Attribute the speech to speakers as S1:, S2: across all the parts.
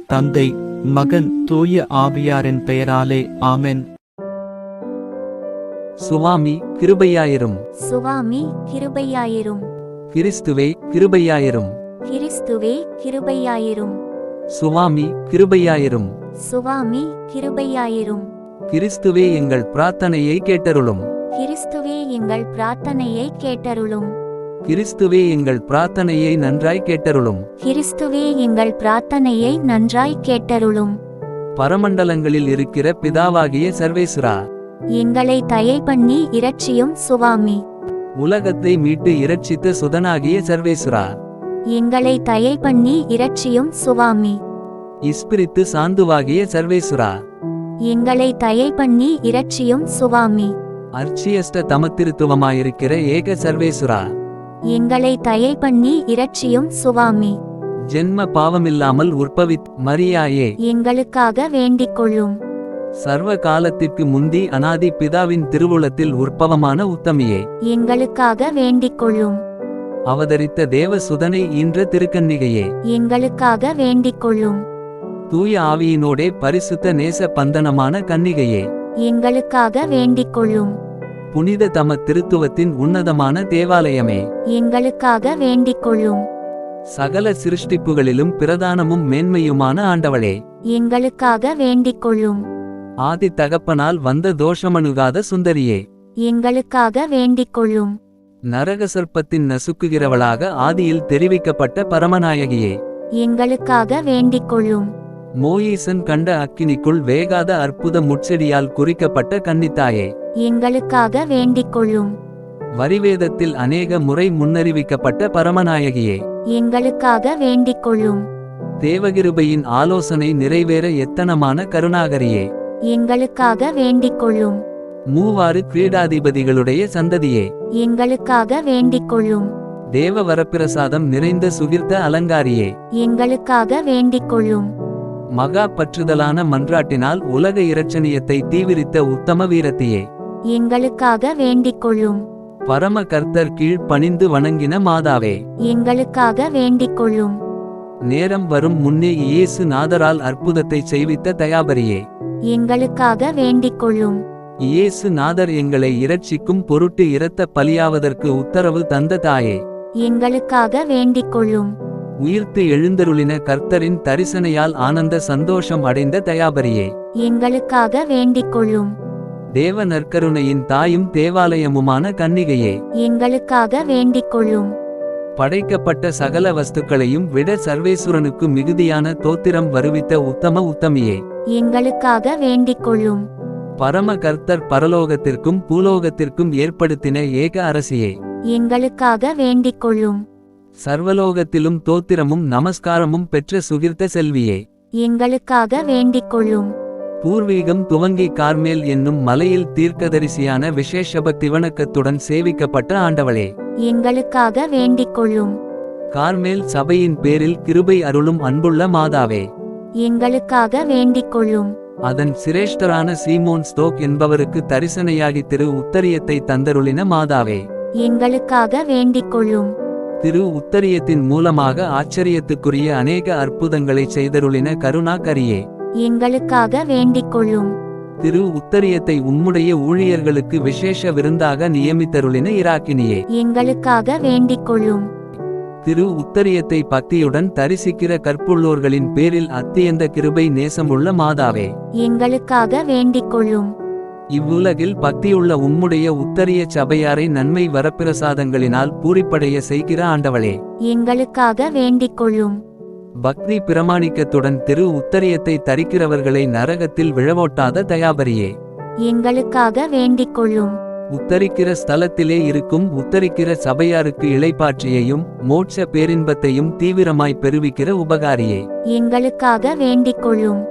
S1: தந்தை, மகன், தூய ஆவியாரின் பெயராலே ஆமென்.
S2: சுவாமி கிருபையாயிரும்.
S3: சுவாமி கிருபையாயிரும்.
S2: கிறிஸ்துவே கிருபையாயிரும்.
S3: கிறிஸ்துவே கிருபையாயிரும்.
S2: சுவாமி கிருபையாயிரும்.
S3: சுவாமி கிருபையாயிரும்.
S2: கிறிஸ்துவே எங்கள் பிரார்த்தனையை கேட்டருளும்.
S3: கிறிஸ்துவே எங்கள் பிரார்த்தனையை கேட்டருளும்.
S2: கிறிஸ்துவே எங்கள் பிரார்த்தனையை நன்றாய் கேட்டருளும்.
S3: கிறிஸ்துவே எங்கள் பிரார்த்தனையை நன்றாய் கேட்டருளும்.
S2: பரமண்டலங்களில் இருக்கிற பிதாவாகிய சர்வேசுரா,
S3: எங்களை தயை பண்ணி இரட்சியும் சுவாமி.
S2: உலகத்தை மீட்டு இரட்சித்த சுதனாகிய சர்வேசுரா,
S3: எங்களை தயை பண்ணி இரட்சியும் சுவாமி.
S2: இஸ்பிரித்து சாந்துவாகிய சர்வேசுரா,
S3: எங்களை தயை பண்ணி இரட்சியும் சுவாமி.
S2: அர்ச்சியஸ்ட தமத்திருத்துவமாயிருக்கிற ஏக சர்வேசுரா,
S3: எங்களை தயை பண்ணி இரட்சியும் சுவாமி.
S2: ஜென்ம பாவமில்லாமல் உற்பவித் மரியாயே,
S3: எங்களுக்காக வேண்டிக் கொள்ளும்.
S2: சர்வ காலத்திற்கு முந்தி அனாதி பிதாவின் திருவுளத்தில் உற்பவமான உத்தமியே,
S3: எங்களுக்காக வேண்டிக் கொள்ளும்.
S2: அவதரித்த தேவ சுதனை ஈன்ற திருக்கன்னிகையே,
S3: எங்களுக்காக வேண்டிக் கொள்ளும்.
S2: தூய ஆவியினோடே பரிசுத்த நேச பந்தனமான கன்னிகையே,
S3: எங்களுக்காக வேண்டிக் கொள்ளும்.
S2: புனித தம திருத்துவத்தின் உன்னதமான தேவாலயமே,
S3: எங்களுக்காக வேண்டிக் கொள்ளும்.
S2: சகல சிருஷ்டிப்புகளிலும் பிரதானமும் மேன்மையுமான ஆண்டவளே,
S3: எங்களுக்காக வேண்டிக் கொள்ளும்.
S2: ஆதி தகப்பனால் வந்த தோஷமணுகாத சுந்தரியே,
S3: எங்களுக்காக வேண்டிக் கொள்ளும்.
S2: நரக சர்ப்பத்தின் நசுக்குகிறவளாக ஆதியில் தெரிவிக்கப்பட்ட பரமநாயகியே,
S3: எங்களுக்காக வேண்டிக் கொள்ளும்.
S2: மோயீசன் கண்ட அக்கினிக்குள் வேகாத அற்புத முட்செடியால் குறிக்கப்பட்ட கன்னித்தாயே,
S3: எங்களுக்காக வேண்டிக் கொள்ளும்.
S2: வரிவேதத்தில் அநேக முறை முன்னறிவிக்கப்பட்ட பரமநாயகியே,
S3: எங்களுக்காக வேண்டிக் கொள்ளும்.
S2: தேவகிருபையின் ஆலோசனை நிறைவேற எத்தனமான கருணாகரியே,
S3: எங்களுக்காக வேண்டிக் கொள்ளும்.
S2: மூவாறு கிரீடாதிபதிகளுடைய சந்ததியே,
S3: எங்களுக்காக வேண்டிக் கொள்ளும்.
S2: தேவ வரப்பிரசாதம் நிறைந்த சுகிர்த்த அலங்காரியே,
S3: எங்களுக்காக வேண்டிக் கொள்ளும்.
S2: மகா பற்றுதலான மன்றாட்டினால் உலக இரட்சணியத்தை தீவிரித்த உத்தம வீரத்தியே,
S3: எங்களுக்காக வேண்டிக் கொள்ளும்.
S2: பரம கர்த்தர் கீழ் பணிந்து வணங்கின மாதாவே,
S3: எங்களுக்காக வேண்டிக் கொள்ளும்.
S2: நேரம் வரும் முன்னே இயேசு நாதரால் அற்புதத்தை செய்வித்த தயாபரியே,
S3: எங்களுக்காக வேண்டிக் கொள்ளும்.
S2: இயேசு நாதர் எங்களை இரட்சிக்கும் பொருட்டு இரத்த பலியாவதற்கு உத்தரவு தந்த தாயே,
S3: எங்களுக்காக வேண்டிக் கொள்ளும்.
S2: உயிர்த்து எழுந்தருளின கர்த்தரின் தரிசனையால் ஆனந்த சந்தோஷம் அடைந்த தயாபரியே,
S3: எங்களுக்காக வேண்டிக் கொள்ளும்.
S2: தேவ நற்கருணையின் தாயும் தேவாலயமுமான கன்னிகையே,
S3: எங்களுக்காக வேண்டிக் கொள்ளும்.
S2: படைக்கப்பட்ட சகல வஸ்துக்களையும் விட சர்வேசுரனுக்கு மிகுதியான தோத்திரம் வருவித்த உத்தம உத்தமியே, எங்களுக்காக
S3: வேண்டிக் கொள்ளும்.
S2: பரம கர்த்தர் பரலோகத்திற்கும் பூலோகத்திற்கும் ஏற்படுத்தின ஏக அரசியே,
S3: எங்களுக்காக வேண்டிக் கொள்ளும்.
S2: சர்வலோகத்திலும் தோத்திரமும் நமஸ்காரமும் பெற்ற சுகிர்த்த செல்வியே,
S3: எங்களுக்காக வேண்டிக் கொள்ளும்.
S2: பூர்வீகம் துவங்கி கார்மேல் என்னும் மலையில் தீர்க்கதரிசியான விசேஷபக்தி வணக்கத்துடன் சேவிக்கப்பட்ட ஆண்டவளே,
S3: எங்களுக்காக வேண்டிக் கொள்ளும்.
S2: கார்மேல் சபையின் பேரில் கிருபை அருளும் அன்புள்ள மாதாவே,
S3: எங்களுக்காக வேண்டிக் கொள்ளும்.
S2: அதன் சிரேஷ்டரான சீமோன் ஸ்தோக் என்பவருக்கு தரிசனையாகி திரு உத்தரியத்தை தந்தருளின மாதாவே,
S3: எங்களுக்காக வேண்டிக் கொள்ளும்.
S2: திரு உத்தரியத்தின் மூலமாக ஆச்சரியத்துக்குரிய அநேக அற்புதங்களை செய்தருளின கருணாகரியே,
S3: எங்களுக்காக வேண்டிக் கொள்ளும்.
S2: திரு உத்தரியத்தை உம்முடைய ஊழியர்களுக்கு விசேஷ விருந்தாக நியமித்தருளின இராக்கினியே,
S3: எங்களுக்காக வேண்டிக் கொள்ளும்.
S2: திரு உத்தரியத்தை பக்தியுடன் தரிசிக்கிற கற்புள்ளோர்களின் பேரில் அத்தியந்த கிருபை நேசமுள்ள மாதாவே,
S3: எங்களுக்காக வேண்டிக் கொள்ளும்.
S2: இவ்வுலகில் பக்தியுள்ள உம்முடைய உத்தரிய சபையாரை நன்மை வரப்பிரசாதங்களினால் பூரிப்படைய செய்கிற ஆண்டவளே,
S3: எங்களுக்காக வேண்டிக் கொள்ளும்.
S2: பக்தி பிரமாணிக்கத்துடன் திரு உத்தரியத்தை தரிக்கிறவர்களை நரகத்தில் விழவோட்டாத தயாபரியே,
S3: எங்களுக்காக வேண்டிக் கொள்ளும்.
S2: உத்தரிக்கிற ஸ்தலத்திலே இருக்கும் உத்தரிக்கிற சபையாருக்கு இளைப்பாற்றியையும் மோட்ச பேரின்பத்தையும் தீவிரமாய் பெறுவிக்கிற உபகாரியே,
S3: எங்களுக்காக வேண்டிக் கொள்ளும்.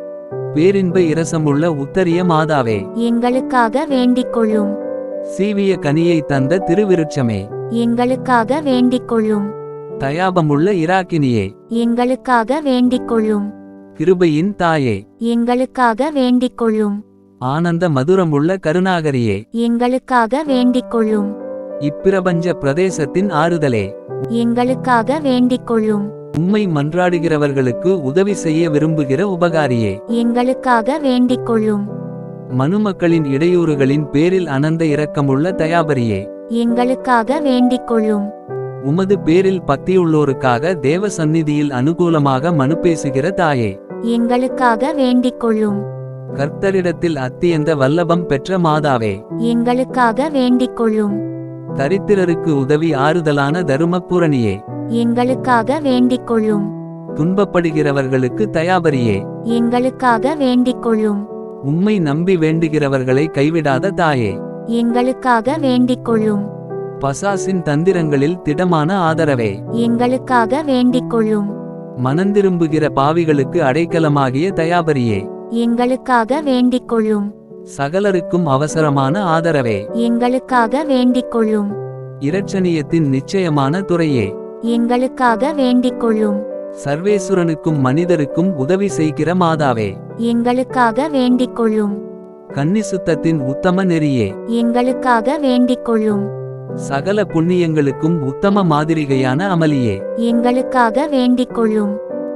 S2: பேரின்ப இரசமுள்ள உத்தரிய மாதாவே,
S3: எங்களுக்காக வேண்டிக் கொள்ளும்.
S2: சீவிய கனியை தந்த திருவிருட்சமே,
S3: எங்களுக்காக வேண்டிக் கொள்ளும்.
S2: தயாபமுள்ள இராக்கினியே,
S3: எங்களுக்காக வேண்டிக் கொள்ளும்.
S2: கிருபையின் தாயே,
S3: எங்களுக்காக வேண்டிக் கொள்ளும்.
S2: ஆனந்த மதுரமுள்ள கருணாகரியே,
S3: எங்களுக்காக வேண்டிக் கொள்ளும்.
S2: இப்பிரபஞ்ச பிரதேசத்தின் ஆறுதலே,
S3: எங்களுக்காக வேண்டிக் கொள்ளும்.
S2: உம்மை மன்றாடுகிறவர்களுக்கு உதவி செய்ய விரும்புகிற உபகாரியே.
S3: எங்களுக்காக வேண்டிக் கொள்ளும்.
S2: மனுமக்களின் இடையூறுகளின் பேரில் அனந்த இரக்கமுள்ள தயாபரியே.
S3: எங்களுக்காக வேண்டிக் கொள்ளும்.
S2: உமது பேரில் பக்தியுள்ளோருக்காக தேவ சந்நிதியில் அனுகூலமாக மனு பேசுகிற தாயே.
S3: எங்களுக்காக வேண்டிக் கொள்ளும்.
S2: கர்த்தரிடத்தில் அத்தியந்த வல்லபம் பெற்ற மாதாவே. எங்களுக்காக
S3: வேண்டிக் கொள்ளும்.
S2: தரித்திரருக்கு உதவி ஆறுதலான தருமபூரணியே.
S3: எங்களுக்காக வேண்டிக் கொள்ளும்.
S2: துன்பப்படுகிறவர்களுக்கு தயாபரியே.
S3: எங்களுக்காக வேண்டிக் கொள்ளும்.
S2: உம்மை நம்பி வேண்டுகிறவர்களை கைவிடாத தாயே.
S3: எங்களுக்காக வேண்டிக் கொள்ளும்.
S2: பசாசின் தந்திரங்களில் திடமான ஆதரவே.
S3: எங்களுக்காக வேண்டிக் கொள்ளும்.
S2: மனந்திரும்புகிற பாவிகளுக்கு அடைக்கலமாகிய தயாபரியே.
S3: எங்களுக்காக வேண்டிக் கொள்ளும்.
S2: சகலருக்கும் அவசரமான ஆதரவே.
S3: எங்களுக்காக வேண்டிக் கொள்ளும்.
S2: இரட்சணியத்தின் நிச்சயமான துறையே.
S3: எங்களுக்காக வேண்டிக் கொள்ளும்.
S2: சர்வேசுரனுக்கும் மனிதருக்கும் உதவி செய்கிற மாதாவே.
S3: எங்களுக்காக வேண்டிக் கொள்ளும்.
S2: கன்னிசுத்தத்தின் உத்தம நெறியே.
S3: எங்களுக்காக வேண்டிக் கொள்ளும்.
S2: சகல புண்ணியங்களுக்கும் உத்தம மாதிரிகையான அமளியே.
S3: எங்களுக்காக வேண்டிக் கொள்ளும்.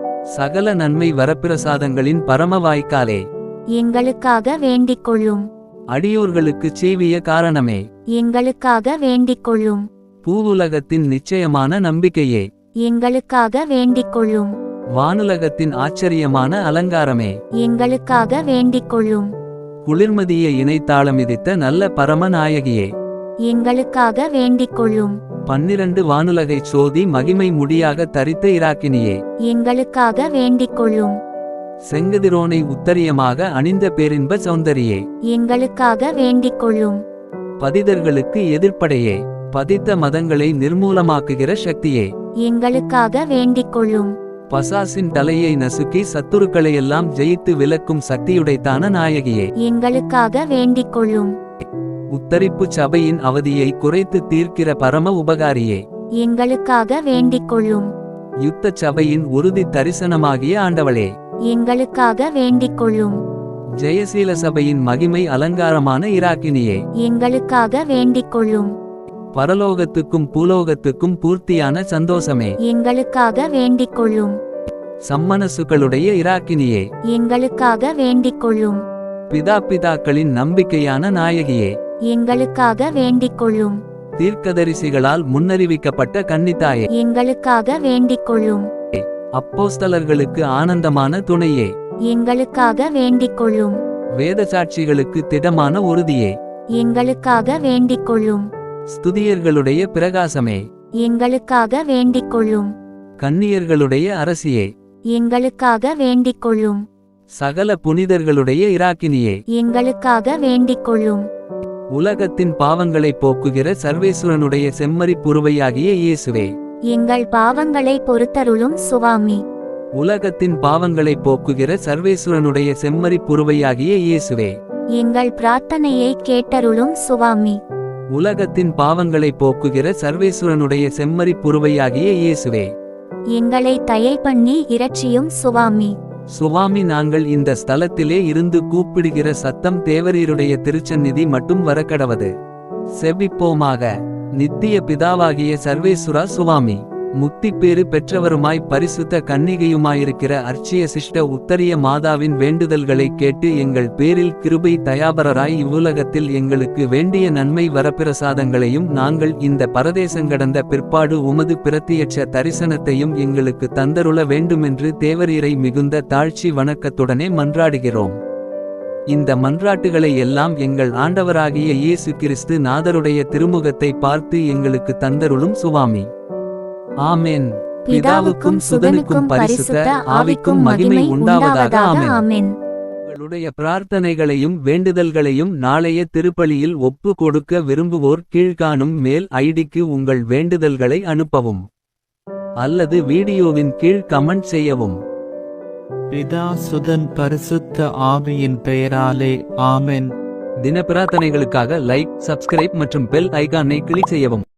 S2: சகல நன்மை வரப்பிரசாதங்களின் பரம வாய்க்காலே.
S3: எங்களுக்காக வேண்டிக் கொள்ளும்.
S2: அடியோர்களுக்குச் செய்விய காரணமே.
S3: எங்களுக்காக வேண்டிக் கொள்ளும்.
S2: பூவுலகத்தின் நிச்சயமான நம்பிக்கையே.
S3: எங்களுக்காக வேண்டிக் கொள்ளும்.
S2: வானுலகத்தின் ஆச்சரியமான அலங்காரமே.
S3: எங்களுக்காக வேண்டிக் கொள்ளும்.
S2: குளிர்மதியை இணைத்தாளமிதித்த நல்ல பரம நாயகியே.
S3: எங்களுக்காக வேண்டிக் கொள்ளும்.
S2: 12 வானுலகைச் சோதி மகிமை முடியாக தரித்த இராக்கினியே.
S3: எங்களுக்காக வேண்டிக் கொள்ளும்.
S2: செங்கதிரோனை உத்தரியமாக அணிந்த பேரின்ப சௌந்தரியே.
S3: எங்களுக்காக வேண்டிக் கொள்ளும்.
S2: பதிதர்களுக்கு எதிர்ப்படையே. பதித்த மதங்களை நிர்மூலமாக்குகிற சக்தியே.
S3: எங்களுக்காக வேண்டிக் கொள்ளும்.
S2: பசாசின் தலையை நசுக்கி சத்துருக்களையெல்லாம் ஜெயித்து விலக்கும் சக்தியுடைத்தான நாயகியே.
S3: எங்களுக்காக வேண்டிக் கொள்ளும்.
S2: உத்தரிப்பு சபையின் அவதியை குறைத்து தீர்க்கிற பரம உபகாரியே.
S3: எங்களுக்காக வேண்டிக் கொள்ளும்.
S2: யுத்த சபையின் உறுதி தரிசனமாகிய ஆண்டவளே.
S3: எங்களுக்காக வேண்டிக் கொள்ளும்.
S2: ஜெயசீல சபையின் மகிமை அலங்காரமான இராக்கினியே.
S3: எங்களுக்காக வேண்டிக் கொள்ளும்.
S2: பரலோகத்துக்கும் பூலோகத்துக்கும் பூர்த்தியான சந்தோஷமே.
S3: எங்களுக்காக வேண்டிக் கொள்ளும்.
S2: சம்மனசுகளுடைய இராக்கினியே.
S3: எங்களுக்காக வேண்டிக் கொள்ளும்.
S2: பிதாக்களின் நம்பிக்கையான நாயகியே.
S3: எங்களுக்காக வேண்டிக் கொள்ளும்.
S2: தீர்க்கதரிசிகளால் முன்னறிவிக்கப்பட்ட கன்னித்தாயே.
S3: எங்களுக்காக வேண்டிக் கொள்ளும்.
S2: அப்போஸ்தலர்களுக்கு ஆனந்தமான துணையே.
S3: எங்களுக்காக வேண்டிக் கொள்ளும்.
S2: வேதசாட்சிகளுக்கு திடமான உறுதியே.
S3: எங்களுக்காக வேண்டிக் கொள்ளும்.
S2: ஸ்துதியர்களுடைய பிரகாசமே.
S3: எங்களுக்காக வேண்டிக் கொள்ளும்.
S2: கன்னியர்களுடைய அரசியே.
S3: எங்களுக்காக வேண்டிக் கொள்ளும்.
S2: சகல புனிதர்களுடைய இராக்கினியே.
S3: எங்களுக்காக வேண்டிக் கொள்ளும்.
S2: உலகத்தின் பாவங்களை போக்குகிற சர்வேசுரனுடைய செம்மறி புருவையாகிய இயேசுவே.
S3: எங்கள் பாவங்களை பொறுத்தருளும் சுவாமி.
S2: உலகத்தின் பாவங்களை போக்குகிற சர்வேசுரனுடைய செம்மறி புருவையாகிய இயேசுவே.
S3: எங்கள் பிரார்த்தனையை கேட்டருளும் சுவாமி.
S2: உலகத்தின் பாவங்களை போக்குகிற சர்வேசுரனுடைய செம்மறி புருவையாகிய இயேசுவே.
S3: எங்களை தயை பண்ணி இரட்சியும் சுவாமி.
S2: சுவாமி, நாங்கள் இந்த ஸ்தலத்திலே இருந்து கூப்பிடுகிற சத்தம் தேவரீருடைய திருச்சந்நிதி மட்டும் வரக்கடவது. செபிப்போமாக. நித்திய பிதாவாகிய சர்வேசுரா சுவாமி, முத்திப்பேறு பெற்றவருமாய் பரிசுத்த கன்னிகையுமாயிருக்கிற அர்ச்சிய சிஷ்ட உத்தரிய மாதாவின் வேண்டுதல்களை கேட்டு எங்கள் பேரில் கிருபை தயாபரராய் இவ்வுலகத்தில் எங்களுக்கு வேண்டிய நன்மை வரப்பிரசாதங்களையும் நாங்கள் இந்த பரதேசங்கடந்த பிற்பாடு உமது பிரத்தியட்ச தரிசனத்தையும் எங்களுக்கு தந்தருள வேண்டுமென்று தேவரீரை மிகுந்த தாழ்ச்சி வணக்கத்துடனே மன்றாடுகிறோம். இந்த மன்றாட்டுகளை எல்லாம் எங்கள் ஆண்டவராகிய இயேசு கிறிஸ்து நாதருடைய திருமுகத்தை பார்த்து எங்களுக்கு தந்தருளும் சுவாமி. ஆமென். பிதாவுக்கும் சுதனுக்கும் பரிசுத்த ஆவிக்கும் மகிமை உண்டாவதாக. ஆமென். உங்களுடைய பிரார்த்தனைகளையும் வேண்டுதல்களையும் நாளைய திருப்பலியில் ஒப்பு கொடுக்க விரும்புவோர் கீழ்காணும் மேல் ஐடிக்கு உங்கள் வேண்டுதல்களை அனுப்பவும் அல்லது வீடியோவின் கீழ் கமெண்ட் செய்யவும்.
S1: பிதா சுதன் பரிசுத்த ஆவியின் பெயராலே ஆமென்.
S2: தின பிரார்த்தனைகளுக்காக லைக், சப்ஸ்கிரைப் மற்றும் பெல் ஐகானை கிளிக் செய்யவும்.